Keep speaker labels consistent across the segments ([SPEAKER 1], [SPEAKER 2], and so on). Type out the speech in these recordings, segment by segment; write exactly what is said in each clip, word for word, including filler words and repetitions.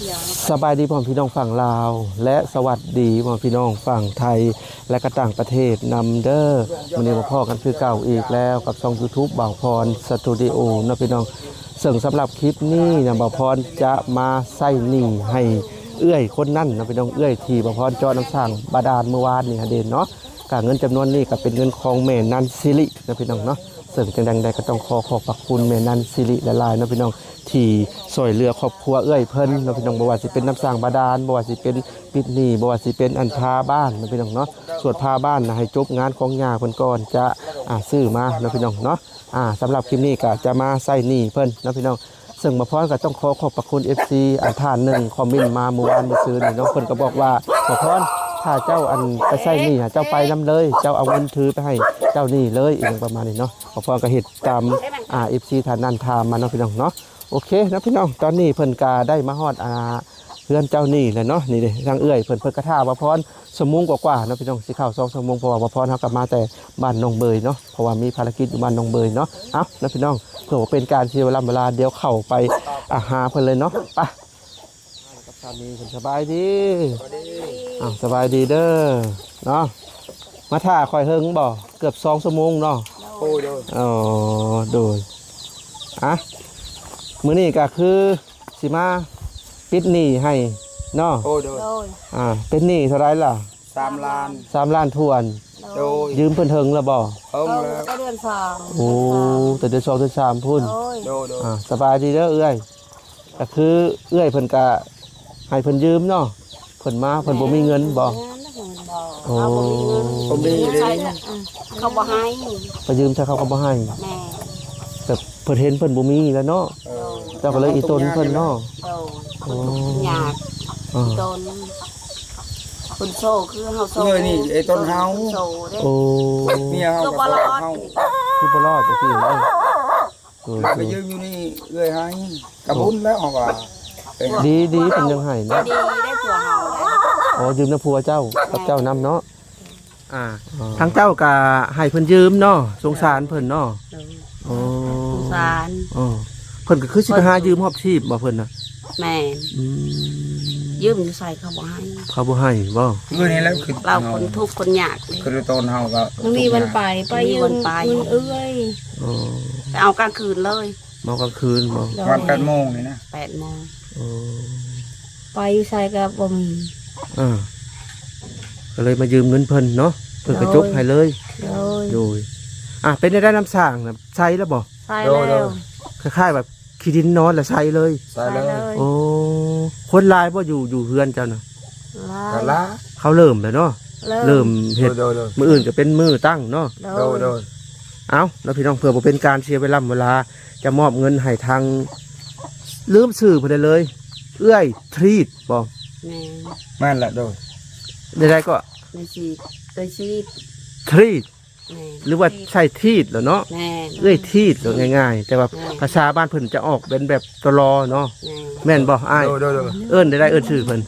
[SPEAKER 1] สบายดีพ่อพี่น้องฝั่งลาวและสวัสดีพ่อพี่น้องฝั่งไทยและก็ต่างประเทศนำเด้อวันนี้มาพ่อกันคือเก่าอีกแล้วกับช่อง YouTube บ่าวพรสตูดิโอนะพี่น้องซึ่งสำหรับคลิปนี้นะบ่าวพรจะมาใส่หนี้ให้เอื้อยคนนั่นนะพี่น้องเอื้อยที่บ่าวพรเจาะน้ำสั่งบาดาลเมื่อวานนี่เด่นเนาะการเงินจำนวนนี้ก็เป็นเงินของแม่นันซิรินะพี่น้องเนาะซึ่งจังใดก็ต้องขอขอบพระคุณแม่นันซิริละลายนะพี่น้องที่ช่วยเหลือครอบครัวเอื้อยเพิ่นนะพี่น้องบ่ว่าสิเป็นน้ำสร้างบาดาลบ่ว่าสิเป็นปิดหนี้บ่ว่าสิเป็นอันพาบ้านนะพี่น้องเนาะส่วนพาบ้านนะให้จบงานของย่าเพิ่นก่อนจะอ่าซื้อมานะพี่น้องเนาะอ่าสำหรับคลิปนี้ก็จะมาใส่หนี้เพิ่นนะพี่น้องซึ่งมาพร้อมก็ต้องขอขอบพระคุณ เอฟ ซี อันท่านหนึ่งคอมเมนต์มาเมื่อวานเมื่อคืนนี่เนาะเพิ่นก็บอกว่ามาพร้อมถ้าเจ้าอันไปใส่หนี้เจ้าไปนํเลยเจ้าเอาเงินถือไปให้เจ้าหนี้เลยอีกประมาณนี้เนาะมาพร้อมก็เฮ็ดตามอ่า เอฟ ซี ท่านนั้นถามมาเนาะพี่น้องเนาะโอเคนะพี่น้องตอนนี้เพิ่นกาได้มาฮอดอ่าเพื่อนเจ้านี่แหละเนาะนี่เด้ทางเอื้อยเพิ่นเพิ่นกระท่าว่าพรสมมุงกว่าๆเนาะพี่น้องสิเข้าสองชั่วโมงเพราะว่าบ่พรเฮากลับมาแต่บ้านหนองเบยเนาะเพราะว่ามีภารกิจอยู่บ้านหนองเบยเนาะเอ้านะพี่น้องเพื่อว่าเป็นการเสียเวลาเวลาเดี๋ยวเข้าไปอาหาเพิ่นเลยเนาะไปกับสามีเพิ่นสบายดีอ้าวสบายดีเด้อเนาะมาท่าคอยเฮิงบ่เกือบสองชั่วโมงเนาะโอ้ยเด้ออ๋อโดยอ่ะมื้อนี้ก็คือสิมาปิดหนี้ให้เนาะโอ้โดยอ่าเป็นหนี้เท่าไรล่ะสามล้านสามล้านทวนโดยยืมเพิ่นเทิงแล้วบ่เทิงแล้วเดือนสองโอ้แต่เดือนสองเดือนสามพุ่นโดยอ่าสบายดีเด้อเอื้อยก็คือเอื้อยเพิ่นก็ให้เพิ่นยืมเนาะเพิ่นมาเพิ่นบ่มีเงินบ่โอ้บ่มีเลย
[SPEAKER 2] เขาบ่ให้
[SPEAKER 1] ไปยืมถ้าเขาก็บ่ให้แม่แต่เพิ่นเห็นเพิ่นบ่มีแล้วเนาะเจ้าก็เลยอีตนเพิ่นเนาะ
[SPEAKER 2] โอ้ยากอีตนคนโซ่คือเฮาโซ่
[SPEAKER 3] เออนี่ไอ้ต้นเฮา
[SPEAKER 1] โอ้
[SPEAKER 3] เมียเฮากับเฮา
[SPEAKER 1] คือบ่รอดจังซี่เด้อ
[SPEAKER 3] ไปยืมอยู่นี่เอื้อยให้กระบุญแล้วเฮาว่า
[SPEAKER 1] ดีดีเพิ่นยังให้เนาะ
[SPEAKER 2] ดีได้ผัวเฮา
[SPEAKER 1] อ๋อยืมน้ำผัวเจ้ากับเจ้านำเนาะอ่าทั้งเจ้าก็ให้เพิ่นยืมเนาะสงสารเพิ่นเนาะโอ้
[SPEAKER 2] สงสาร
[SPEAKER 1] อ๋อเพิ่นก็คือสิไปหายืมฮอบชีพบ่เพิ่นน่ะ
[SPEAKER 2] แม่อืมยืมใส่เขาบ่ให้
[SPEAKER 1] เขาบ่ให้บ่
[SPEAKER 3] เมื่อนี้แล้วคือ
[SPEAKER 2] เราคนทุกข์คนยาก
[SPEAKER 3] คือต้นเฮาก็
[SPEAKER 2] มันมีวันไปไปยืมไปเอ้ยอ๋อเอากลางคืนเลย
[SPEAKER 1] มากลางคืนบ่
[SPEAKER 3] วันแปดโมงนี่นะ
[SPEAKER 2] แปดโมง
[SPEAKER 1] อ๋อ
[SPEAKER 2] ไปอยู่ใส่ก็บ่มี
[SPEAKER 1] อ่าก็เลยมายืมเงินเพิ่นเนาะเพิ่นก็จบให้เลยโดยอ่ะเป็นได้น้ำสร้างน่ะใช้แล้วบ่
[SPEAKER 2] ใช้แล้ว
[SPEAKER 1] คล้ายๆแบบขี้ดินนอนแล้วใช้เลย
[SPEAKER 3] ใช้เลย
[SPEAKER 1] โอ้คนลายบ่อยู่อยู่เฮือนเจ้าน่ะ
[SPEAKER 3] ลา
[SPEAKER 1] เขาเริ่มแล้วเนาะเริ่มเฮ็ดมื้ออื่นก็เป็นมื้อตั้งเนาะ
[SPEAKER 3] โดยโดย
[SPEAKER 1] เอ้าแล้วพี่น้องเพื่อบ่เป็นการเสียเวลาเวลาจะมอบเงินให้ทางลืมชื่อเพิ่นได้เลยเอื้อยทรีตบ่
[SPEAKER 2] แม่
[SPEAKER 3] แม่นละโดย
[SPEAKER 1] ได้ๆก็
[SPEAKER 2] ในชีวิตในชีวิต
[SPEAKER 1] ทรีตหรือว่าใช่ทีดเหรอเนาะเอ้ยทีดเหรอง่ายๆแต่ว่าภาษาบ้านเพิ่นจะออกเป็นแบบตลอเนาะแม่นบ่อ้ายเอิ้นได้ได้เอิ้นชื่อเพิ่น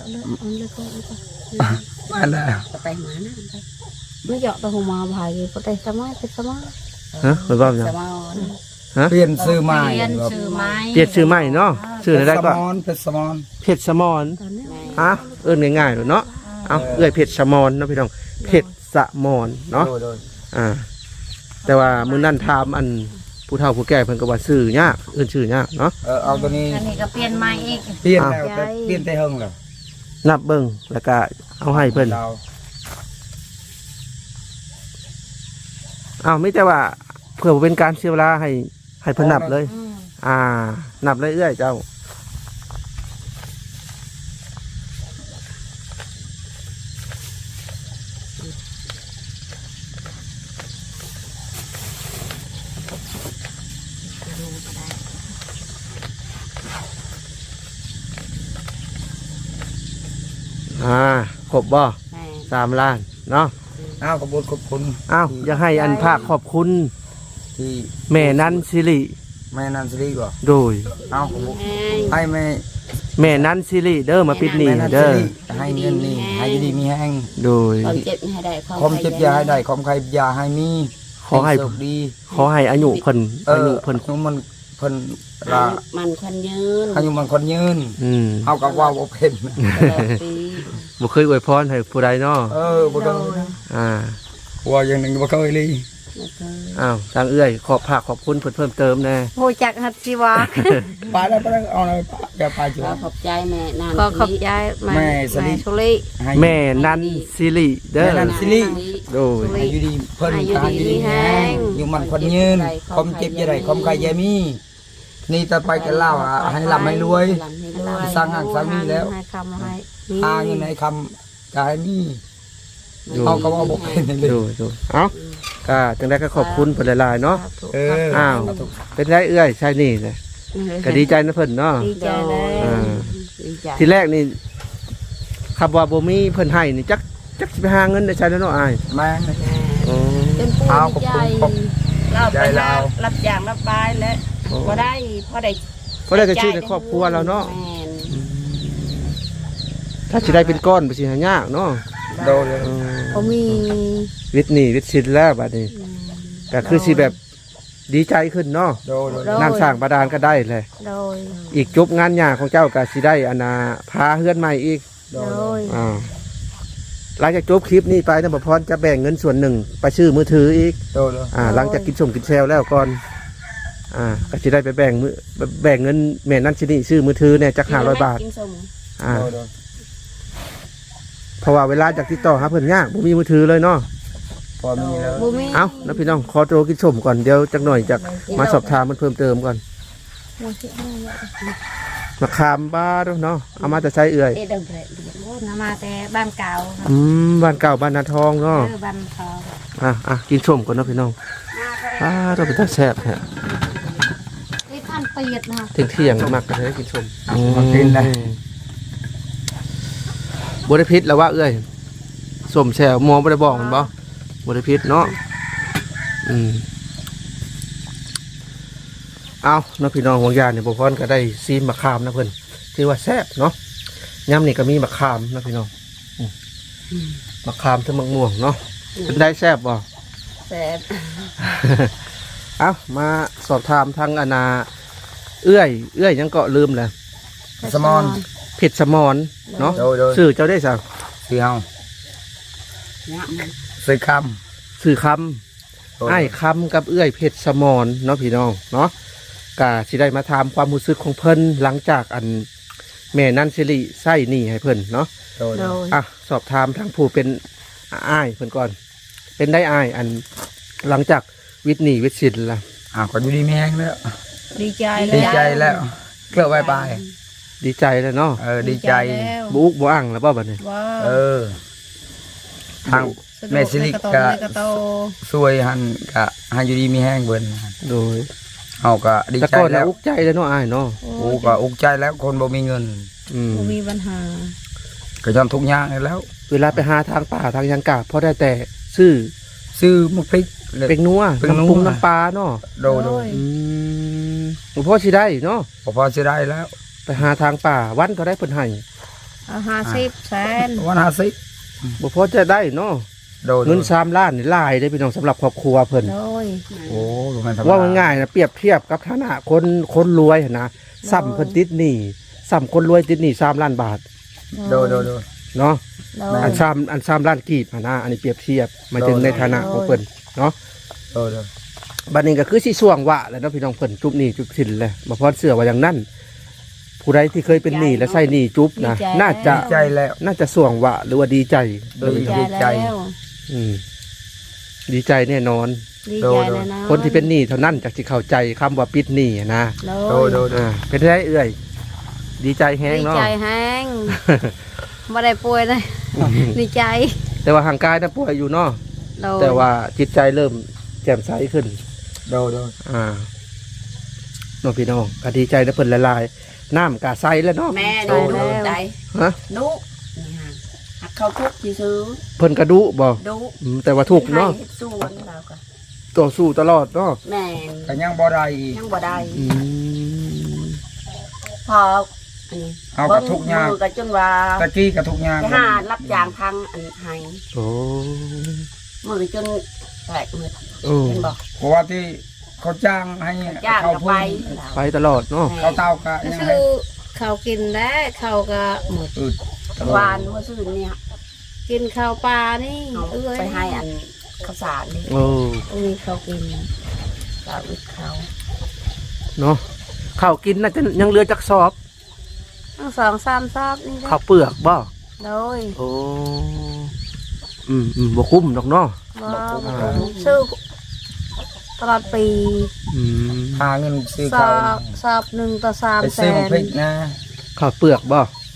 [SPEAKER 3] อันน่ะ
[SPEAKER 2] ไปหมานะไม่เหยาะตัวหัวมาพายก็ได้สมัยเป็นสมัย
[SPEAKER 1] ฮะเพิ่นว่าจัง
[SPEAKER 3] ฮะเปลี่ยนชื่อใหม่
[SPEAKER 2] เปลี่ยนชื่อใหม่
[SPEAKER 1] เปลี่ยนชื่อใหม่เนาะชื่อได้ก็
[SPEAKER 3] เพชรสมร
[SPEAKER 1] เพชรสมรฮะเอิ้นง่ายๆเนาะเอ้าเอ้ยเพชรสมรเนาะพี่น้องเพชรสมรเนาะอ่าแต่ว่ามื้อนั้นถามอันผู้เฒ่าผู้แก่เพิ่นก็ว่าชื่อยากเอิ้นชื่อยากเนาะ
[SPEAKER 3] เออเอาตัวนี้
[SPEAKER 2] อันนี้ก็เปลี่ยนใหม่อีก
[SPEAKER 3] เปลี่ยนแล้วแต่เปลี่ยนแต่เฮิงแล้ว
[SPEAKER 1] นับเบิ่งแล้วก็เอาให้เพิ่นอ้าวไม่แต่ว่าเพื่อเป็นการเสียเวลาให้ให้เพิ่นนับเลยอ่านับเลยเอื้อยเจ้าอ่าครบบ่สามล้านเนาะ
[SPEAKER 3] อ้าวขอบคุณขอบคุณ
[SPEAKER 1] อ้าวอยากให้อันภาคขอบคุณที่แม่นันสิริ
[SPEAKER 3] แม่นันสิริก่อน
[SPEAKER 1] โดย
[SPEAKER 3] อ้าวให้แม่
[SPEAKER 1] แม่นันสิริเด้อมาปิดหนี้เด้อ
[SPEAKER 3] ให้เงินนี่ให้ดีมีแห้ง
[SPEAKER 1] โดย
[SPEAKER 2] ความเจ็บให้ได้
[SPEAKER 3] ความเจ็บยาให้ได้ความใครยาให้มี
[SPEAKER 1] ขอให้ดีขอให้อายุเพิ่นอายุเพิ่น
[SPEAKER 3] มันเพิ่น
[SPEAKER 2] อา
[SPEAKER 3] ละ
[SPEAKER 2] ยุมันคนยืน
[SPEAKER 3] อายุมันคนยืน
[SPEAKER 1] อืม
[SPEAKER 3] เฮาก็ว่าบ่เป็น
[SPEAKER 2] ตลอดปี
[SPEAKER 1] บ่เคยอวยพรให้ผู้ใดเนาะ
[SPEAKER 3] เออบ่
[SPEAKER 2] โด
[SPEAKER 3] ต้อง
[SPEAKER 2] ย
[SPEAKER 1] อ่า
[SPEAKER 3] ว่าอย่างหนึงบ่เคยเลย
[SPEAKER 2] แล้วก็
[SPEAKER 1] อ้าวทางเอื้อยขอบภาคขอบคุณเพิ่นเพิ่มเติมแน่
[SPEAKER 4] โหจักหัดสิวะ
[SPEAKER 3] ไปแล้วไปแล้วเอาเลยอย่าไปจ้
[SPEAKER 2] ขอะ ขอบใจแม่นาน
[SPEAKER 4] ก็ขอบใจ
[SPEAKER 3] แม่สลิ
[SPEAKER 4] แม่สุลิ
[SPEAKER 3] ให้
[SPEAKER 1] แม่นันซิริเด้อ
[SPEAKER 3] แม่นัน ซิริ
[SPEAKER 1] โดย
[SPEAKER 3] ให้อยู่ดีเพิ่นก็ให้อยู่ดีแฮงอยู่มันคนยืนคมเจ็บอย่าได้คมใครอย่ามี นี่ต่อไปก็เล่าอ่ะให้ร่ำให้รวย
[SPEAKER 2] ลำให้รวย
[SPEAKER 3] สร้างงานสร้างนี่แล้ว
[SPEAKER 4] ให้คำให้
[SPEAKER 3] หาเงินให้คำก็ให้มีเฮาก็ว่าบ่เป็นเลย
[SPEAKER 1] โดยโดยเอ้าก็จังได๋ก็ขอบคุณเพิ่นหลายๆเนาะ
[SPEAKER 3] เออ
[SPEAKER 1] อ้าว เป็นไรเอื้อยใช่นี่แหละก็ดีใจนะเพิ่นเนาะ
[SPEAKER 4] ดีใจเลย
[SPEAKER 1] อ่า
[SPEAKER 2] ดีใจ
[SPEAKER 1] ทีแรกนี่คำว่าบ่มีเพิ่นให้นี่จักจักสิไปหาเงินได้ใช้แล้วเนาะอ้าย
[SPEAKER 3] แม่ง
[SPEAKER 1] อ๋อ
[SPEAKER 2] เป็นผู้
[SPEAKER 3] เอา
[SPEAKER 2] ดีใจ
[SPEAKER 3] ขอบคุณ
[SPEAKER 2] เราไป
[SPEAKER 3] ใจเรา
[SPEAKER 2] หารับจ้างรับบายแล้วพอได้พอได้
[SPEAKER 1] เพราะได้จะชื่อในครอบครัวเราเนาะ
[SPEAKER 2] แม่น
[SPEAKER 1] ถ้าสิได้เป็นก้อนบ่สิหายากเนาะ
[SPEAKER 3] โดนเลย
[SPEAKER 1] เออ
[SPEAKER 4] เขามี
[SPEAKER 1] วิทย์นี่วิทย์ศิลป์แล้วบัดนี้ก็คือสิแบบดีใจขึ้นเนาะ
[SPEAKER 3] โดนเลย
[SPEAKER 1] น้ำสร้างบาดาลก็ได้เลย
[SPEAKER 4] โดย
[SPEAKER 1] อีกจบงานหยาของเจ้าก็สิได้อนาพาเฮือนใหม่อีก
[SPEAKER 3] โด
[SPEAKER 4] โด
[SPEAKER 3] น
[SPEAKER 4] ย
[SPEAKER 1] อ่าหลังจากจบคลิปนี้ไปนะบ่พรจะแบ่งเงินส่วนหนึ่งไปซื้อมือถืออีก
[SPEAKER 3] โดนเลย
[SPEAKER 1] อ่าหลังจากกินสมกินแซวแล้วก่อนอ่าก็สิได้ไปแบ่งมือแบ่งเงินแม่นั่นสินี่ซื้อมือถือเนี่ยจักห้าร้อยบาท
[SPEAKER 2] กินส้ม
[SPEAKER 1] อ่า
[SPEAKER 3] โดนเลย
[SPEAKER 1] เพราะว่าเวลาจากติดต่อหาเพิ่นยากบ่มีมือถือเลยเนาะ
[SPEAKER 3] พอมีแล้ว
[SPEAKER 4] บุมี
[SPEAKER 1] เอ้านะพี่น้องขอตัวกินสมก่อนเดี๋ยวจักหน่อยจะมาสอบถามมันเพิ่มเติมก่อนมาคามบ้าด้วยเนาะเอามาแต่ใช้เอื่อย
[SPEAKER 2] เอ็ดเดิมเลย
[SPEAKER 4] โอ้นำมาแต่บ้านเก่า
[SPEAKER 1] อืมบ้านเก่าบ้านนาทองเนาะ
[SPEAKER 4] เออบ้านเขา
[SPEAKER 1] อ่ะอ่ะกินส้มก่อนเนาะพี่น้องอ่าเราเป็นตาแซ่บฮะ
[SPEAKER 4] ไอ้ท่านเปียดนะ
[SPEAKER 1] เที่ยงเที่ยงๆมักกันเลยกินส้ม
[SPEAKER 3] มากินเลย
[SPEAKER 1] บริพิษแล้วว่าเอ้ยส้มแช่หมอบริบอกมันบ่บริพิษเนาะอืมเอาเนาะพี่น้องห่วงยาเนี่ยบุพรก็ได้ซีมมะขามนะเพิ่นที่ว่าแซ่บเนาะย่ำนี่ก็มีมะขามนะพี่น้องอืมมะขามทั้งมะม่วงเนาะเป็นได้แซ่บบ่
[SPEAKER 2] แซ่บ
[SPEAKER 1] เอามาสอบถามทางอนาเอื้อย เอื้อยยังเกาะลืมเลย
[SPEAKER 3] สมอน
[SPEAKER 1] เผ็ดสมอนเนาะ
[SPEAKER 3] โดนโดน
[SPEAKER 1] สื่อเจ้าได้สั่ง
[SPEAKER 3] ซื้อเฮา
[SPEAKER 2] เนี่ยมัน
[SPEAKER 3] ซื้อค
[SPEAKER 1] สื่อค
[SPEAKER 3] ำ
[SPEAKER 1] ำไอ้คำกับเอื้อยเผ็ดสมอนเนาะพี่น้องเนาะกะสิได้มาถามความรู้สึกของเพิ่นหลังจากอันแม่นันสิริไส้หนี่ให้เพิ่นเนาะ
[SPEAKER 3] โดน
[SPEAKER 4] โดย
[SPEAKER 1] อ่ะสอบถามทางผู้เป็นอ้ายเพิ่นก่อน เป็นได้อ้ายอันหลังจากวิทย์หนี่วิทย์ศิลป์ล่ะ
[SPEAKER 3] อ้าวก็อยู่ดีมีแห้งแล้ว
[SPEAKER 4] ดีใจ
[SPEAKER 3] ดีใจแล้วเกลือไว้ไป
[SPEAKER 1] ดีใจแล้วเนาะ
[SPEAKER 3] เออดีใจ
[SPEAKER 4] แล้ว
[SPEAKER 1] บุอุกบุอ่างแล้วบ่บัดนี้
[SPEAKER 4] ว้า
[SPEAKER 3] เออ ทาง แม่สิริกะ
[SPEAKER 4] กะโต
[SPEAKER 3] สวยหันกะให้อยู่ดีมีแห้งเบิ่น
[SPEAKER 1] โดย
[SPEAKER 3] เฮาก็ดี
[SPEAKER 1] แต่
[SPEAKER 3] ใจ
[SPEAKER 1] ก่อน
[SPEAKER 3] แล้
[SPEAKER 1] นะ
[SPEAKER 3] ว
[SPEAKER 1] อุกใจแล้วเนาะอ้ายเนาะ
[SPEAKER 3] โอ้ก็อุกใจแล้วคนบ่มีเงิน
[SPEAKER 1] อืม
[SPEAKER 4] บ่มีปัญหา
[SPEAKER 3] ก็ยอมทุกอย่างแล้ว
[SPEAKER 1] เวลาไปหาทางป่าทางยังกาพอได้แต่ซื้อ
[SPEAKER 3] ซื้อมะพริก
[SPEAKER 1] เป็กนัว
[SPEAKER 3] เป็กนัว
[SPEAKER 1] น้ำปรุงน้ำปลาเนาะ
[SPEAKER 3] โดนโดน
[SPEAKER 1] อืมหลวงพ่อสิได้เนาะ
[SPEAKER 3] พอพอสิได้แล้ว
[SPEAKER 1] ไปหาทางป่าวันก็ได้เพิ่นให้
[SPEAKER 4] เอาห้าสิบแสน
[SPEAKER 3] วันห้าสิบ
[SPEAKER 1] บ่พอจะได้เนาะ
[SPEAKER 3] โดน
[SPEAKER 1] เงินสามล้านนี่หลายได้พี่น้องสำหรับครอบครัวเพิ่น
[SPEAKER 4] โดย
[SPEAKER 3] โอ้บ่แม่นธรรมด
[SPEAKER 1] ว่าง่ายๆนะเปรียบเทียบกับฐานะคนคนรวยหั่นนะซ้ำเพิ่นติดหนี้ซ้ำคนรวยติดหนี้สามล้านบาท
[SPEAKER 3] โดนโดนโดน
[SPEAKER 1] เนาะ
[SPEAKER 4] โดย
[SPEAKER 1] อันซ้ำอันซ้ำล้านกีบหั่นนะอันนี้เปรียบเทียบหมายถึงในฐานะของเพิ่นเนาะ
[SPEAKER 3] โดนโดน
[SPEAKER 1] บัดนี้ก็คือสิส่วงวะแหล้วเนาะพี่น้องเพิ่นจุบหนี้จุบสินเลยบ่พอเสื้อว่าอย่างนั้นผู้ใดที่เคยเป็นหนี้และใช้หนี้จุบนะน่าจะ
[SPEAKER 3] ดีใจแล้ว
[SPEAKER 1] น่าจะส่วงวะหรือว่าดีใจ
[SPEAKER 3] โดย
[SPEAKER 4] ดีใจ
[SPEAKER 3] ดีใจ
[SPEAKER 4] แล้ว
[SPEAKER 1] อืมดีใจแน่นอน
[SPEAKER 4] ดี
[SPEAKER 3] โด
[SPEAKER 4] ใจ
[SPEAKER 3] ย
[SPEAKER 4] แล้วนะ
[SPEAKER 1] คนที่เป็นหนี้เท่านั้นจะสิเข้าใจคำว่าปิดหนี้นะ
[SPEAKER 4] โด
[SPEAKER 3] โด
[SPEAKER 4] ย
[SPEAKER 3] นโดน
[SPEAKER 1] อ่าเป็นได้เอื่อย ดีใจแฮง
[SPEAKER 4] ดี
[SPEAKER 1] เนาะ
[SPEAKER 4] ใจแห้งไม่ได้ป่วยเลยดีใจ
[SPEAKER 1] แต่ว่าห่างกายน่ะป่วยอยู่เนาะ
[SPEAKER 4] โดย
[SPEAKER 1] แต่ว่าจิตใจเริ่มแจ่มใสขึ้น
[SPEAKER 3] โดนโดน
[SPEAKER 1] อ่าน้องพี่น้องก็ดีใจนะเพิ่นละลายน้ำกาใสแล้วเนาะ
[SPEAKER 2] แม่ดูดูใจ
[SPEAKER 1] ฮะ
[SPEAKER 2] นุนี่ฮะหักเขาทุกที่ซื้อ
[SPEAKER 1] เพิ่นกระดุบ่
[SPEAKER 2] ดู
[SPEAKER 1] อืมแต่ว่าถูกเนาะ
[SPEAKER 2] ให้ส่วนเราก็
[SPEAKER 1] ต่อสู้ตลอดเนาะ
[SPEAKER 2] แม่
[SPEAKER 3] ก็ยังบ่ได้อีก
[SPEAKER 2] ยังบ่ได้
[SPEAKER 1] อืม
[SPEAKER 2] พออันนี้
[SPEAKER 3] เอากับทุกอย่าง
[SPEAKER 2] มือก็จนว่า
[SPEAKER 3] ตะกี้กับทุกอย่าง
[SPEAKER 2] ไปหารับจ้างทางอันให้
[SPEAKER 1] โอ้
[SPEAKER 2] มือจนแตกหมด
[SPEAKER 1] โอ้
[SPEAKER 2] เห็นบ่
[SPEAKER 3] เพราะว่าที่เขาจ้างให้
[SPEAKER 2] จ้าง
[SPEAKER 3] เขา
[SPEAKER 2] ก็
[SPEAKER 3] พู
[SPEAKER 2] ไป
[SPEAKER 3] ด
[SPEAKER 1] ไปตลอดเนาะ
[SPEAKER 3] เขาเตาก็
[SPEAKER 4] ก็
[SPEAKER 3] ยัง
[SPEAKER 4] คื
[SPEAKER 3] ไง
[SPEAKER 4] อเขากินได้เขาก็หมด
[SPEAKER 3] อืด
[SPEAKER 2] วานเมื่อคืนเนี่ย
[SPEAKER 4] กินข้าวปลานี่
[SPEAKER 2] เอา
[SPEAKER 4] เอ้ย
[SPEAKER 2] ไปให้อันข้าวสารนี่
[SPEAKER 1] โอ้
[SPEAKER 4] อุ้ยเขากิน
[SPEAKER 2] กาอึดเขา
[SPEAKER 1] เนาะข้าวกินน่าจะยังเหลือจักสอบ
[SPEAKER 4] ทั้งสองสามซอบนี่แหละ
[SPEAKER 1] ข้าวเปลือกบ่
[SPEAKER 4] โดย
[SPEAKER 1] โอ้อืมอืมบ่คุ้มดอกเนาะ
[SPEAKER 4] บ่ซื้อตลอดปี
[SPEAKER 1] อืม
[SPEAKER 3] หาเงินซื้อ
[SPEAKER 4] สอ
[SPEAKER 3] ข้าว
[SPEAKER 4] บสอบหนึ่งต่อสาม
[SPEAKER 3] ไป
[SPEAKER 4] แส
[SPEAKER 3] ซื้อน มะพริกนะ
[SPEAKER 1] ข้าวเปลือกบ่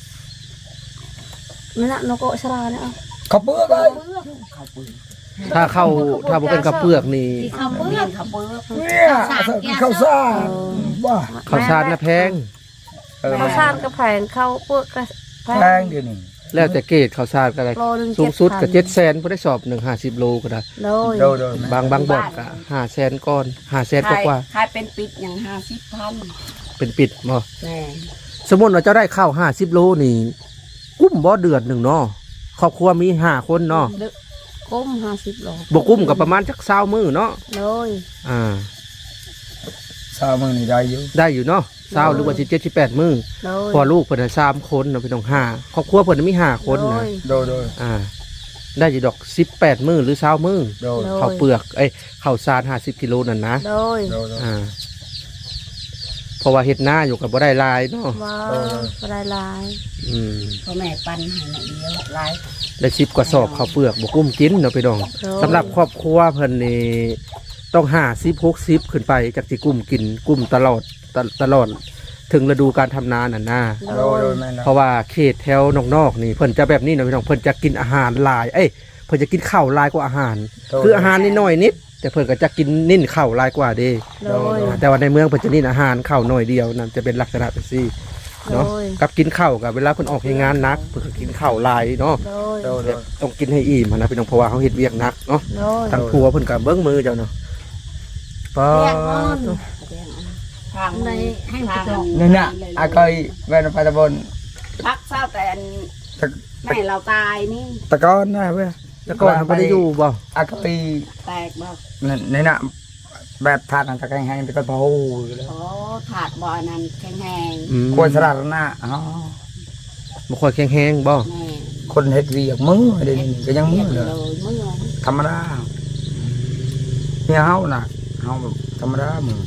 [SPEAKER 4] นี่นะนกโกชลาเนี่ยเอา
[SPEAKER 3] เขาเปื้อนเลย
[SPEAKER 2] เขาปืน
[SPEAKER 1] ถ้าเข้าถ้าบ่เป็นข้าวเปลือกนี่
[SPEAKER 4] ที่ข้าว
[SPEAKER 2] เขา
[SPEAKER 4] เปลื
[SPEAKER 2] เปื
[SPEAKER 4] อน ก
[SPEAKER 2] เขาเปืน
[SPEAKER 3] เนี่ยข้าวซ่าว่า
[SPEAKER 1] ข้าวสารน่ะแพง
[SPEAKER 3] เออ
[SPEAKER 4] ข้าวสารก็แพงข้าวเปลือกก็แพ
[SPEAKER 3] แพง
[SPEAKER 4] ง
[SPEAKER 3] เดี๋ยวนี้
[SPEAKER 1] แล้วแต่เกรดข้าวสารก็ได้
[SPEAKER 4] โลหนึ่ง
[SPEAKER 1] สูงสุดก็
[SPEAKER 4] เจ็ด
[SPEAKER 1] เจ็ดแสนบ่ได้สอบหนึ่งห้าสิบโลก็ได้
[SPEAKER 4] โดย
[SPEAKER 3] โดยโดย
[SPEAKER 1] บางบางบ่อนก็ห้าแสนก้อนห้าแสนกว่า
[SPEAKER 2] ขายเป็นปิดอย่างห้าสิบพัน
[SPEAKER 1] ๆเป็นปิดบ่
[SPEAKER 2] แม่
[SPEAKER 1] สมมุติว่าเจ้าได้ข้าวห้าสิบโลนี่กุ้มบ่เดือนหนึงเนาะครอบครัวมีห้าคนเนาะ
[SPEAKER 4] ก้มห้าสิบโล
[SPEAKER 1] บ่กุ้มก็ประมาณจักเช้ามื้อเนาะ
[SPEAKER 4] โดย
[SPEAKER 1] อ่า
[SPEAKER 3] สามมื้อนี่ได้อยู่
[SPEAKER 1] ได้อยู่เนาะเช้าหรือว่าสิบเจ็ด สิบแปดมื้อ
[SPEAKER 4] โดย
[SPEAKER 1] พอลูกเพิ่นน่ะสามคนเนาะพี่น้องห้าครอบครัวเพิ่นนะมีห้าคน
[SPEAKER 4] โด
[SPEAKER 1] นะ
[SPEAKER 4] ย
[SPEAKER 3] โดยโดย
[SPEAKER 1] อ่า ได้อยู่ดอกสิบแปดมื้อหรือเช้ามื้อ
[SPEAKER 3] โดย
[SPEAKER 4] โดย
[SPEAKER 1] ข้าวเปลือกเอ้ยข้าวสารห้าสิบกิโลนั่นนะ
[SPEAKER 4] โดย
[SPEAKER 3] โดยโดย
[SPEAKER 1] อ่าเพราะว่าเฮ็ดนาอยู่กับบ่ได้หลายเนาะ
[SPEAKER 4] ว้า
[SPEAKER 3] โด
[SPEAKER 4] วย
[SPEAKER 3] โดย
[SPEAKER 4] บรายลาย
[SPEAKER 1] อืม
[SPEAKER 2] พ่อแม่ปันให้ในเดียวหลาย
[SPEAKER 1] ได้สิบกว่าสอบข้าวเปลือกบ่กุ้มกินเนาะพี่น้อง
[SPEAKER 4] โดย
[SPEAKER 1] สำหรับครอบครัวเพิ่นนี่ต้องห้าสิบ หกสิบขึ้นไปจากสิกุ้มกินกุ้มตลอดตตลอดถึงฤดูการทำนาน่ะนะ
[SPEAKER 4] โด
[SPEAKER 3] โดย
[SPEAKER 4] ย
[SPEAKER 3] โดยแม่นะ
[SPEAKER 1] เพราะว่าเขตแถวนอกๆนี่เพิ่นจะแบบนี้เนาะพี่น้องเพิ่นจะกินอาหารหลายเอ้ยเพิ่นจะกินข้าวหลายกว่าอาหาร คืออาหารนิดหน่อยนิด แต่เพิ่นก็จะกินนิ่นข้าวหลายกว่าเด้
[SPEAKER 4] โดย
[SPEAKER 1] แต่ว่าในเมืองเพิ่นจะนิ่นอาหารข้าวน้อยเดียวนั่นจะเป็นลักษณะเป็นซี่เนาะ
[SPEAKER 4] โดย
[SPEAKER 1] กับกินข้าวกับเวลาเพิ่นออกให้งานหนักเพิ่นก็กินข้าวหลายเนาะ
[SPEAKER 4] โดย
[SPEAKER 3] โดยโดย
[SPEAKER 1] ต้องกินให้อิ่มนะพี่น้องเพราะว่าเขาเฮ็ดเวียกหนักเนาะ
[SPEAKER 4] โดย
[SPEAKER 1] ทางครัวเพิ่นก็เบิ่งมือเจ้าเนาะปอ
[SPEAKER 4] เรียกนอน
[SPEAKER 2] ทาง
[SPEAKER 4] ในให้มัน
[SPEAKER 2] ทาง
[SPEAKER 3] นี่น่ะอาเคยแว่นไปตะบน
[SPEAKER 2] พักเศร้าแต่อัน
[SPEAKER 3] ตะ
[SPEAKER 2] แม่เราตายนี่
[SPEAKER 3] ตะกอนนะเว้ย
[SPEAKER 1] แต่ก่อนบ่ได้อยู่บ่
[SPEAKER 3] อาเคย
[SPEAKER 2] แตกบ่
[SPEAKER 3] นี่น่ะแบบทานตะแกรงแห้งตะกอนพะฮูอยู่แล้ว
[SPEAKER 2] โอ้ถาดบ่อนั้นแข็งแห้ง
[SPEAKER 1] อืม
[SPEAKER 3] ควรสลัดหน้าอ๋อ
[SPEAKER 1] บ่ค่อยแข็งแรงบ่
[SPEAKER 2] แม่
[SPEAKER 3] คนเฮ็ดเวียกมือเดี๋ยวนี้ก็ยังมือเลย
[SPEAKER 2] เลยเมื่อ
[SPEAKER 3] ธรรมดาเนี่ยเฮาน่ะเฮาแบบธรรมดามือ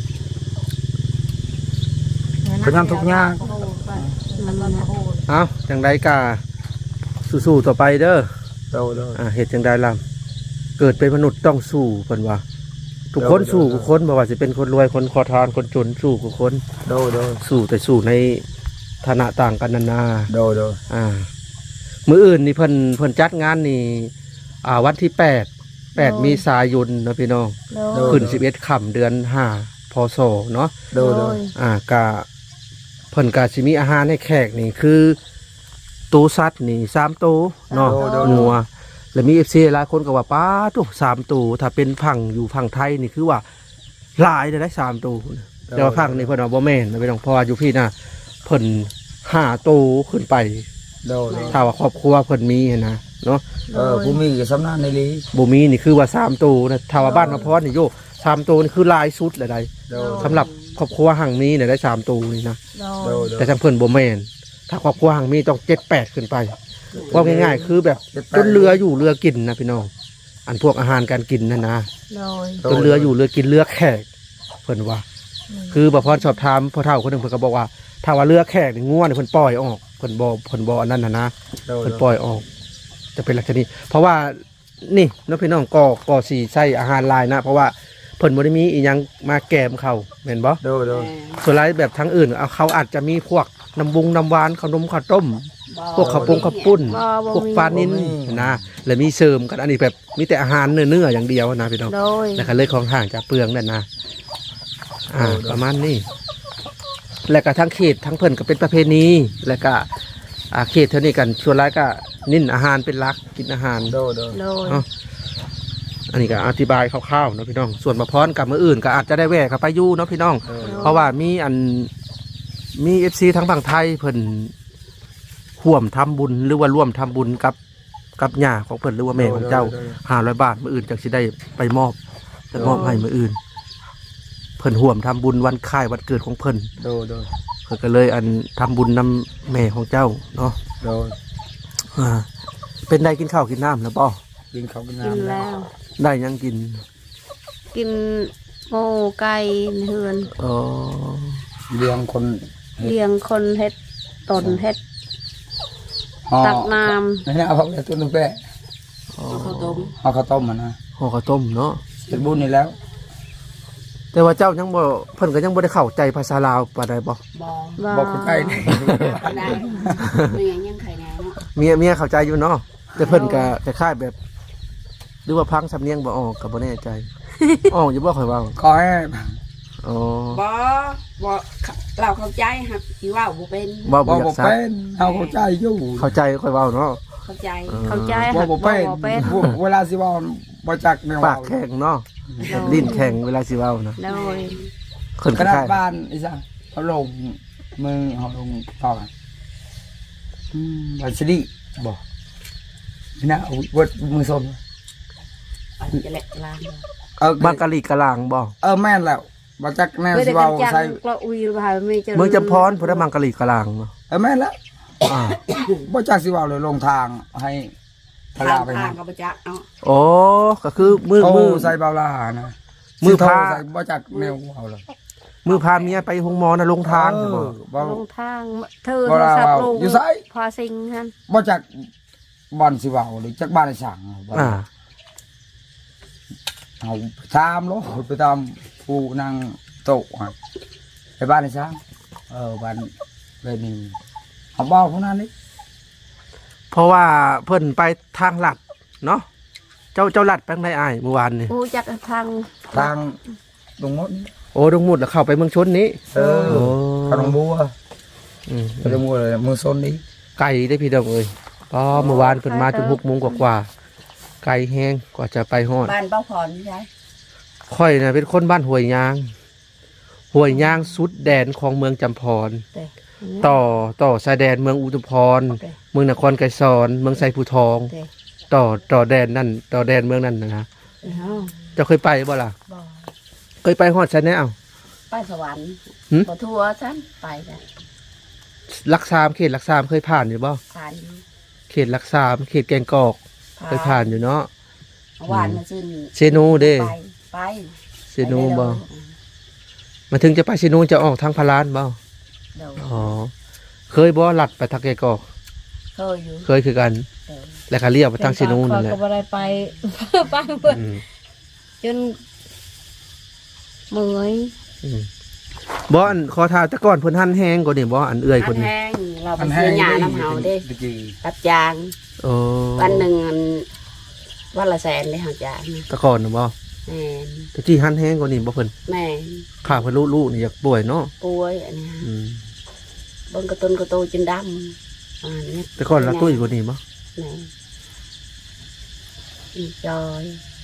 [SPEAKER 3] เป็นงานทุกอย่าง
[SPEAKER 4] มันมันนะ
[SPEAKER 1] เอ้าจังไดก็สู้ๆต่อไปเด้อ
[SPEAKER 3] โดยโดย
[SPEAKER 1] อ่าเฮ็ดจังไดล่ะเกิดเป็นมนุษย์ต้องสู้เพิ่นว่า ทุกคน
[SPEAKER 3] เดี๋ยว
[SPEAKER 1] สู้ทุกคนบ่ว่าสิเป็นคนรวยคนขอทานคนจนสู้ทุกคน
[SPEAKER 3] โดยโดย
[SPEAKER 1] สู้แต่สู้ในฐานะต่างกันนานา
[SPEAKER 3] โดยโดย
[SPEAKER 1] อ่ามื้ออื่นนี่เพิ่นเพิ่นจัดงานนี่อ่าวันที่แปด แปดมีสายนเนาะพี่น้อง
[SPEAKER 4] โดย
[SPEAKER 1] ขึ้นสิบเอ็ดค่ำเดือนห้าพศเนาะ
[SPEAKER 3] โดยโดย
[SPEAKER 1] อ่ากะเพิ่นกะสิมีอาหารให้แขกนี่คือตูสัตว์นี่สามตูเนาะงัวแล้วมี เอฟ ซี หลายคนก็ว่าป้าตุสามตูถ้าเป็นพังอยู่พังไทยนี่คือว่าหลายได้ได้สามตูแต่ว่าพังนี่เพิ่นว่าบ่แม่นนะพี่น้องเพราะว่าอยู่พี่น่ะเพิ่นห้าตูขึ้นไป
[SPEAKER 3] โดยโดย
[SPEAKER 1] ถ้าว่าครอบครัวเพิ่นมีหั้นนะเนาะ
[SPEAKER 3] เออผู้มีก็สำนักในลี
[SPEAKER 1] บ่มีนี่คือว่าสามตูนะถ้าว่าบ้านมาพรนี่โยสามตูนี่คือหลายสุดเลยได้
[SPEAKER 3] โดย
[SPEAKER 1] สำหรับครอบครัวหังมีเนี่ยได้สามตูนี่นะ
[SPEAKER 4] โด
[SPEAKER 3] โด
[SPEAKER 4] ย
[SPEAKER 3] ยโดย
[SPEAKER 1] แต่ทางเพิ่นบ่แม่นถ้าครอบครัวหังมีต้องเจ็ดแปดขึ้นไปว่าง่ายๆคือแบบจนเรืออยู่เรือกินนะพี่น้องอันพวกอาหารการกินนั่นนะ
[SPEAKER 4] โดย
[SPEAKER 1] จนเรืออยู่เรือกินเรือแขกเพิ่นว่า คือบ่พรสอบถามพ่อเฒ่าคนหนึงเพิ่นก็บอกว่าถ้าว่าเรือแขกนี่ง่วนเพิ่นปล่อยออกเพิ่นบ่เพิ่นบ่อันนั้นน่ะนะ
[SPEAKER 3] โดย
[SPEAKER 1] เพิ่นปล่อยออก จะเป็นลักษณะนี้เพราะว่านี่เน้องพี่น้องก็ก็สิใช้อาหารหลายนะ เพราะว่าเพิ่นบ่ได้มีอีหยังมาแกมเขาแม่นบ่
[SPEAKER 3] โดยโดย
[SPEAKER 1] ส่วนหลายแบบทั้งอื่นเอาเขาอาจจะมีพวกน้ำบุงน้ำหวานขนมข้าวต้ม พวกข้าวปงข้าวปุ้น
[SPEAKER 4] บ่บ่
[SPEAKER 1] พวก
[SPEAKER 4] มี
[SPEAKER 1] ปลานินนะแล้วมีเสริมกันอันนี้แบบมีแต่อาหารเนื้อๆอย่างเดียวนะพี่น้อง
[SPEAKER 4] โดย
[SPEAKER 1] แล้วก็เลยของห่างจากเปลืองนั่นนะอ่าประมาณนี้แล้วก็ทั้งเขตทั้งเพิ่นก็เป็นประเพณีแล้วก็อ่าเขตเท่านี้กันส่วนหลายก็นิ่นอาหารเป็นหลักกินอาหาร
[SPEAKER 3] โดยโดย
[SPEAKER 4] โดย
[SPEAKER 1] เนาะอันนี้ก็อธิบายคร่าวๆเนาะพี่น้องส่วนมาพร้อนกับมืออื่นก็อาจจะได้แวะเข้าไปอยู่เนาะพี่น้อง
[SPEAKER 3] โดย
[SPEAKER 1] เพราะว่ามีอันมีเอฟซีทั้งฝั่งไทยเพิ่นห่วมทำบุญหรือว่าร่วมทำบุญกับกับญาของเพิ่นหรือว่าแม่ของเจ้าห้าร้อยบาทมืออื่นจากสิได้ไปมอบจะมอบให้มืออื่นเพิ่นห่วมทำบุญวันคล้ายวันเกิดของเพิ่น
[SPEAKER 3] โดยโดย
[SPEAKER 1] เพิ่นก็เลยอันทำบุญนำแม่ของเจ้าเนาะ
[SPEAKER 3] โดย
[SPEAKER 1] อ่าเป็นได้กินข้าวกินน้ำแล้วป่
[SPEAKER 3] กินเขาวกิน
[SPEAKER 4] กิน
[SPEAKER 3] น้ำ
[SPEAKER 4] แล้ว
[SPEAKER 1] ได้ยังกิน
[SPEAKER 4] กินโง่ไก่เฮือน
[SPEAKER 1] อ๋อ
[SPEAKER 3] เลี้ยงคน
[SPEAKER 4] เลี้ยงคนเฮ็ดตนเฮ็ด
[SPEAKER 3] ห่อ
[SPEAKER 4] ตักน้
[SPEAKER 3] นี่นะเอาเขาไปต้นตุ้งแปะ
[SPEAKER 1] อ๋อ
[SPEAKER 2] เอาข้าวต้ม
[SPEAKER 3] เอาข้าวต้มมานะ
[SPEAKER 1] ห่อข้าวต้มเนาะ
[SPEAKER 3] เป็นบุญนี่แล้ว
[SPEAKER 1] แต่ว่าเจ้ายังบ่เพิ่นก็ยังบ่ได้เข้าใจภาษาลาวปานใดบ่
[SPEAKER 2] บอ
[SPEAKER 4] ำบ่
[SPEAKER 3] บอกคนใกล้นี่
[SPEAKER 2] ได้ไม่ยังยังไข่แน่เนาะ
[SPEAKER 1] เมียเมียเข้าใจอยู่เนาะแต่เพิ่นก็คล้ายๆแบบ หรือว่าพังสำเนียงบ่ออกก็บ่แน่ใจ อ๋ออยู่บ่ค่อยเว้า
[SPEAKER 3] ขอให้
[SPEAKER 1] อ๋อบ
[SPEAKER 2] อบอเราเข้าใจครับที่ว่าบ่เป็น
[SPEAKER 1] เว้า
[SPEAKER 3] บ
[SPEAKER 1] บ่
[SPEAKER 3] อก
[SPEAKER 1] อยา
[SPEAKER 3] บอก
[SPEAKER 1] กซัก
[SPEAKER 3] เป็นเอาเข้าใจอยู่
[SPEAKER 1] เข้าใจค่อยเว้าเนาะ
[SPEAKER 2] เข้าใจ
[SPEAKER 1] ออ
[SPEAKER 4] เข้าใจ
[SPEAKER 3] บอ
[SPEAKER 4] หั
[SPEAKER 3] ก
[SPEAKER 4] ก
[SPEAKER 3] บอก
[SPEAKER 4] บ่
[SPEAKER 3] เป็น
[SPEAKER 4] บ่เป็น
[SPEAKER 3] เวลาสิเว่าบ่จักแนว
[SPEAKER 1] ปากแข็งเนาะลิ้นแข็งเวลาสิเว้านะ
[SPEAKER 4] โดย
[SPEAKER 1] เพิ่น
[SPEAKER 3] ก
[SPEAKER 1] ค
[SPEAKER 3] ระดาษ
[SPEAKER 1] ล้าย
[SPEAKER 3] บ้านไอ้สังเขาลงมือเขาลงต่อกันอืมวันสิริบอกนี่นะเอาวัดมือส้ม
[SPEAKER 2] ไปจะแหลกลาง
[SPEAKER 3] เออ
[SPEAKER 1] ๆบางกะลีกะลางบ่
[SPEAKER 3] เออแม่นแล้วบ่จักแนว
[SPEAKER 4] เพื่อ
[SPEAKER 3] สิ
[SPEAKER 4] ได้กั
[SPEAKER 3] เว้าน
[SPEAKER 4] จัง
[SPEAKER 3] ใส่
[SPEAKER 4] ก็อุยบ่าไม่เจอ
[SPEAKER 1] เมืองจำพรพุ่นได้บางกะลีกะลางเนาะ
[SPEAKER 3] เออแม่นแล้ว
[SPEAKER 1] อ่า
[SPEAKER 3] บ่จักสิเว้าเลยลงทางให้พ
[SPEAKER 2] ทา
[SPEAKER 3] ลาง ไป
[SPEAKER 2] ทา
[SPEAKER 3] หาง
[SPEAKER 2] กับประจักษ์เนาะ
[SPEAKER 1] อ๋อก็คือมือ
[SPEAKER 3] โอ้
[SPEAKER 1] มือ
[SPEAKER 3] ใส่เบาลานะ
[SPEAKER 1] มือ
[SPEAKER 3] สิโทร
[SPEAKER 1] พา
[SPEAKER 3] ใส่บ่จักแนวเว้าเลย
[SPEAKER 1] มือพาเมียไปโรงหมอนะลงทาง
[SPEAKER 3] เอ
[SPEAKER 1] บ่
[SPEAKER 3] อบ่
[SPEAKER 4] ลงทางเธอ
[SPEAKER 3] บ่
[SPEAKER 4] โทร
[SPEAKER 3] ลา
[SPEAKER 4] ศัพท์
[SPEAKER 3] เว้า
[SPEAKER 4] ลง
[SPEAKER 3] อยู่ไส
[SPEAKER 4] พอสิงหั่น
[SPEAKER 3] บ่จักบ่อนสิเว้าหรือจักบ้านไอ้สั่งบ่
[SPEAKER 1] อ่า
[SPEAKER 3] เอาไปตามโลดไปตามผู้นั่งโต๊ะครับไปบ้านไอ้สั่งเออบ้านเรนี่เอาเบ้าพวกนั้นนี่
[SPEAKER 1] เพราะว่าเพิ่นไปทางลัดเนาะเจ้าเจ้าลัดไปทางใดอ้ายเมื่อวานนี่
[SPEAKER 4] กูจักทาง
[SPEAKER 3] ทางตรงมดนี่
[SPEAKER 1] โอ้ดงมุดแล้วเข้าไปเมืองชนนี้
[SPEAKER 3] เออ
[SPEAKER 1] โอ้
[SPEAKER 3] ขนมบัว
[SPEAKER 1] อืม
[SPEAKER 3] ขนมบัวเลยมือซนนี้
[SPEAKER 1] ไก่ได้พี่ดองเอ้ยก็เมื่อวานเพิ่นมาจนหกโมงกว่าๆไก่แห้งกว่าจะไปฮอด
[SPEAKER 2] บ้านเป้าพรใช่
[SPEAKER 1] ค่อยน่ะเป็นคนบ้านห้วยยางห้วยยางสุดแดนของเมืองจำพร
[SPEAKER 2] แต่
[SPEAKER 1] ต่อต่อชายแดนเมืองอุทุมพร
[SPEAKER 2] แต่
[SPEAKER 1] เมืองนครไกรสอนเมืองไซภูทอง
[SPEAKER 2] แต่
[SPEAKER 1] ต่อต่อแดนนั่นต่อแดนเมืองนั่นนะนะ
[SPEAKER 2] เอ้า
[SPEAKER 1] เจ้าเคยไปบ่ล่ะ
[SPEAKER 2] บอ
[SPEAKER 1] เคยไปฮอดไสแนว
[SPEAKER 2] ไปสวรรค์
[SPEAKER 1] หึ
[SPEAKER 2] บ่ทั่วซ้ำไปจ้ะ
[SPEAKER 1] ลักซามเขตลักซามเคยผ่านอยู่บ่
[SPEAKER 2] ผ่านอยู่
[SPEAKER 1] เขตลักซามเขตแกงกอกเคยผ่านอยู่เนาะ
[SPEAKER 2] เมื่อวานมาซื้อ
[SPEAKER 1] เซโนเด้
[SPEAKER 2] ไปไป
[SPEAKER 1] เซโนบ่มาถึงจะไปเซโนจะออกทางพารานบ่
[SPEAKER 2] เดี๋ยว
[SPEAKER 1] อ๋อเคยบ่ลัดไปทางแกงกอก
[SPEAKER 2] เคยอยู่
[SPEAKER 1] เคยคือกัน
[SPEAKER 2] เดี๋ยว
[SPEAKER 1] แล้วก็เลี้ยวไปทางเซโนนั่นแหละ
[SPEAKER 4] ก็บ่ได้ไป ไปเพิ่น
[SPEAKER 1] อืม
[SPEAKER 4] จนเมื่อย
[SPEAKER 1] อืมบ่อันขอทานแต่ก่อนเพิ่นหั่นแห้งกว่านี่บ่อันเอื้อยคน
[SPEAKER 2] อัน
[SPEAKER 1] นี้
[SPEAKER 2] แห้งเราไปซื้อหญ้าน้ำเฮาเด้
[SPEAKER 3] ตะกี้
[SPEAKER 2] รับจาง
[SPEAKER 1] โอ้
[SPEAKER 2] วันหนึ่งอันวันละแสนเลยหักจางนะ
[SPEAKER 1] แต่ก่อนน่ะบ่
[SPEAKER 2] แม่น
[SPEAKER 1] แต่ที่หั่นแห้งกว่านี่บ่เพิ่น
[SPEAKER 2] แม่น
[SPEAKER 1] ข้าเพิ่นลูกๆนี่อยากป่วยเนาะ
[SPEAKER 2] ป่วยอันนี้ฮะ
[SPEAKER 1] อืม
[SPEAKER 2] เบิ่งกระตุนกระโตจนดำอันนี้
[SPEAKER 1] แต่ก่อนละตุ้ยกว่านี้บ่
[SPEAKER 2] แม่อีจอย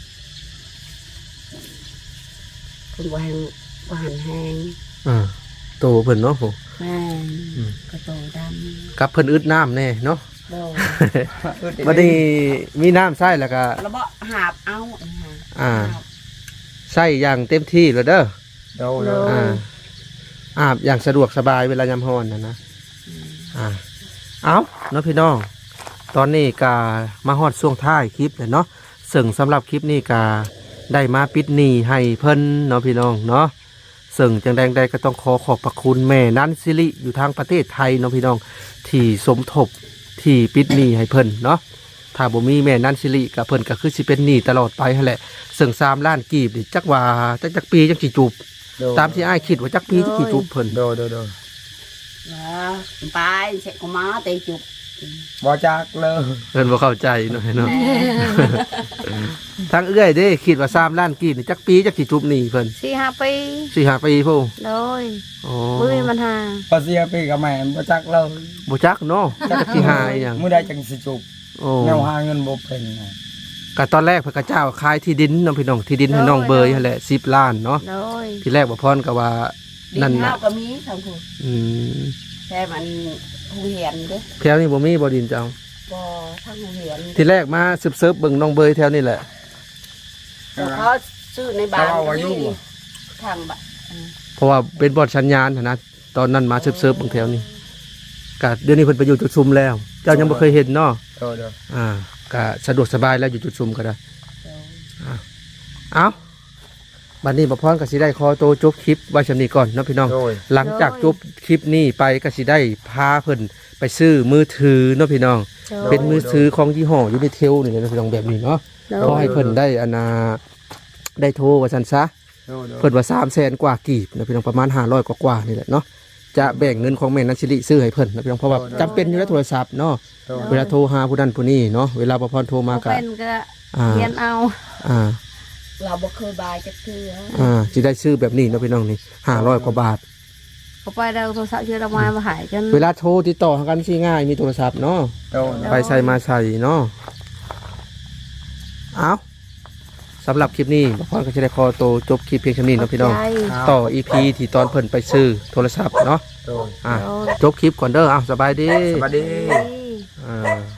[SPEAKER 2] คุณบ่แหงบ่หันแหง
[SPEAKER 1] อ่าโตเพิ่นเนาะผม
[SPEAKER 2] แม่น
[SPEAKER 1] อืม
[SPEAKER 2] กระโตด
[SPEAKER 1] กับเพิ่นอึดน้ำแน่เนาะ
[SPEAKER 2] ำโด
[SPEAKER 1] บัดนี้มีน้ำใส่แล้วก็
[SPEAKER 2] แล้วบ่หาบเอาอันนี้ฮะ
[SPEAKER 1] อ่า
[SPEAKER 2] หบ
[SPEAKER 1] ใส่อย่างเต็มที่แล้วเด้อ
[SPEAKER 3] เดาเดา
[SPEAKER 1] อ่าอาบอย่างสะดวกสบายเวลายามร้อนนะนะอ่าเอาเนาะพี่น้อง ตอนนี้กามาฮอดช่วงท้ายคลิปเลยเนาะซึ่งสำหรับคลิปนี้กาได้มาปิดหนี้ให้เพิ่นเนาะพี่น้องเนาะซึ่งจังใดใดก็ต้องขอขอบพระคุณแม่นันซิริอยู่ทางประเทศไทยเนาะพี่น้องที่สมทบที่ปิดหนี้ให้เพิ่นเนาะถ้าบ่มีแม่นันซิริกับเพิ่นก็คือสิเป็นหนี้ตลอดไปหั่นแหละซึ่งสามล้านกีบนี่จักว่าจักจักปีจักสิจูบตามที่อ้ายคิดว่าจักปีจักสิจูบเพิ่น
[SPEAKER 3] เดาเดาเดา
[SPEAKER 2] แล้วไปเสร็จก็มาเตะจุก
[SPEAKER 3] บ่จักเลย
[SPEAKER 1] เพิ่นบ่เข้าใจเนาะเนาะ ทางเอื้อยเด้คิดว่าสามล้านกีบนี่จักปีจักสิจูบหนี้เพิ่น
[SPEAKER 4] สี่ห้าปี
[SPEAKER 1] สี่ห้าปีพุ่น
[SPEAKER 4] โดย
[SPEAKER 1] อ๋อ
[SPEAKER 4] มือมันหา
[SPEAKER 3] ภาษีปีกับแม่บ่จักเลย
[SPEAKER 1] บ่จักเนาะจักสิหาอีหยัง
[SPEAKER 3] มื้อใดจังสิจุบ
[SPEAKER 1] โอ้
[SPEAKER 3] แนวหาเงินบ่เป็นไง
[SPEAKER 1] ก็ตอนแรกเพิ่นก็เจ้าขายที่ดินเนาะพี่น้องที่ดินให้น้องเบยนั่นแหละสิบล้านเนาะ
[SPEAKER 4] โดย
[SPEAKER 1] ที่แรกบ่พรก็ว่า
[SPEAKER 2] ดิ
[SPEAKER 1] นั่น
[SPEAKER 2] นข้า
[SPEAKER 1] น่ะ
[SPEAKER 2] วก็มีทั้งคู่
[SPEAKER 1] อืม
[SPEAKER 2] แต่มันหูเหียนเด้อ
[SPEAKER 1] แถวนี้บ่มีบ่ดินเจ้า
[SPEAKER 2] บ่ทั้งหูเหียน
[SPEAKER 1] ที่แรกมาสืบเสิร์ฟเบิ่งน้องเบยแถวนี้แหละ
[SPEAKER 2] แต่เขาซื้อในบ้านก็มีทางบ้าน
[SPEAKER 1] เพราะว่าเป็นบอดสัญญาณหั้นนะตอนนั้นมาเซิร์ฟๆบางแถวนี่ก็เดี๋ยวนี้เพิ่นไปอยู่จุดซุมแล้ว เจ้ายังบ่เคยเห็นเนาะ
[SPEAKER 3] โดยโดย
[SPEAKER 1] อ่าก็สะดวกสบายแล้วอยู่จุดซุมก็ได้อ่าเอาบัดนี้บ่พรก็สิได้ขอโตวจบคลิปไว้ชำนี้ก่อนเนาะพี่น้อง
[SPEAKER 3] โดย
[SPEAKER 1] หลังจากจบคลิปนี้ไปก็สิได้พาเพิ่นไปซื้อมือถือเนาะพี่น้อง เป็นมือถือของยี่ห้อยูนิเทลนี่แหละเนาะพี่น้องแบบนี้เนาะขอให้เพิ่นได้อนาได้โทรว่าซั่นซะ
[SPEAKER 3] โดยโดย
[SPEAKER 1] เพิ่นว่าสามแสนกว่ากีบนะพี่น้องประมาณห้าร้อยกว่าๆนี่แหละเนาะจะแบ่งเงินของแม่นันสิริซื้อให้เพิ่นนะพี่น้องเพราะว่าจำเป็นอยู่แล้วโทรศัพท์เนาะ
[SPEAKER 3] โดย
[SPEAKER 1] เวลาโทรหาผู้นั้นผู้นี้เนาะเวลาประพรโทรมา
[SPEAKER 4] บ่
[SPEAKER 1] ก็
[SPEAKER 4] เป็นก็
[SPEAKER 1] อ่า
[SPEAKER 4] เรียนเอา
[SPEAKER 1] อ่า
[SPEAKER 2] เราบ่เคยบายจักเทื่อ
[SPEAKER 1] อ่าสิได้ซื้อแบบนี้เนาะพี่น้องนี่ห้าร้อยกว่าบาท
[SPEAKER 4] เอาไปเราโทรศัพท์ชื่อเรามามาหายกัน
[SPEAKER 1] เวลาโทรติดต่อหากันสิง่ายมีโทรศัพท์เนาะ
[SPEAKER 3] โดย
[SPEAKER 1] ไปใส่มาใส่เนาะเอาสำหรับคลิปนี้ประพรก็จะได้ขอโตวจบคลิปเพียงเท่านี้เนาะพี่น้อง
[SPEAKER 2] ใจ
[SPEAKER 1] ต่อ อี พี ที่ตอนเพิ่นไปซื้อโทรศัพท์เนาะ
[SPEAKER 3] โดย
[SPEAKER 1] อ่ะจบคลิปก่อนเด้ออ้าวสบายดี
[SPEAKER 3] สวัสดี
[SPEAKER 1] อ่า